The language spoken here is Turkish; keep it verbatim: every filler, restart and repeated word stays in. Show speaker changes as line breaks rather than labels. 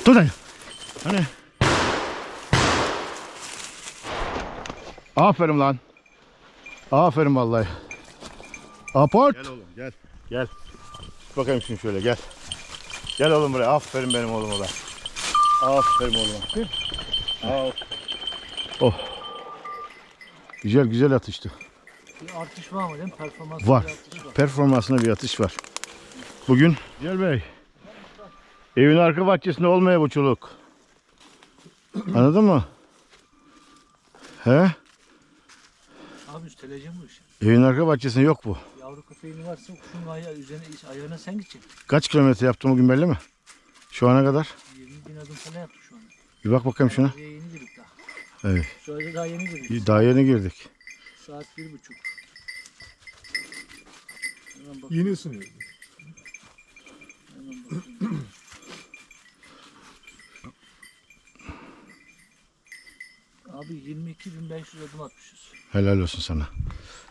Dur dayı. Hani. Aferin lan. Aferin vallahi. Aport.
Gel oğlum gel. Gel. Bakayım şimdi şöyle gel. Gel oğlum buraya. Aferin benim oğluma da. Aferin oğluma. Al.
Oh. Güzel güzel atıştı.
Bir artış var mı değil mi? Performans
Var.
bir artış var.
Performansına bir atış var. Bugün Celal Bey. Evin arka bahçesinde olmaya bu çoluk. Anladın mı? He?
Abi üsteleyeceğim bu işi.
Evin arka bahçesinde yok bu.
Yavru köpeğin varsa kuşun ayağı üzerine ayağına sen gideceksin.
Kaç kilometre yaptım bugün belli mi? Şu ana kadar.
yirmi bin adım falan yaptık şu an.
Bir bak bakayım şuna.
Oraya yeni girdik daha.
Evet.
Şu anda daha yeni girdik.
Daha yeni girdik.
Saat bir buçuk. Hemen bak.
Yeni ısınıyor.
Hemen bakayım. Abi yirmi iki bin beş yüz adım atmışız.
Helal olsun sana.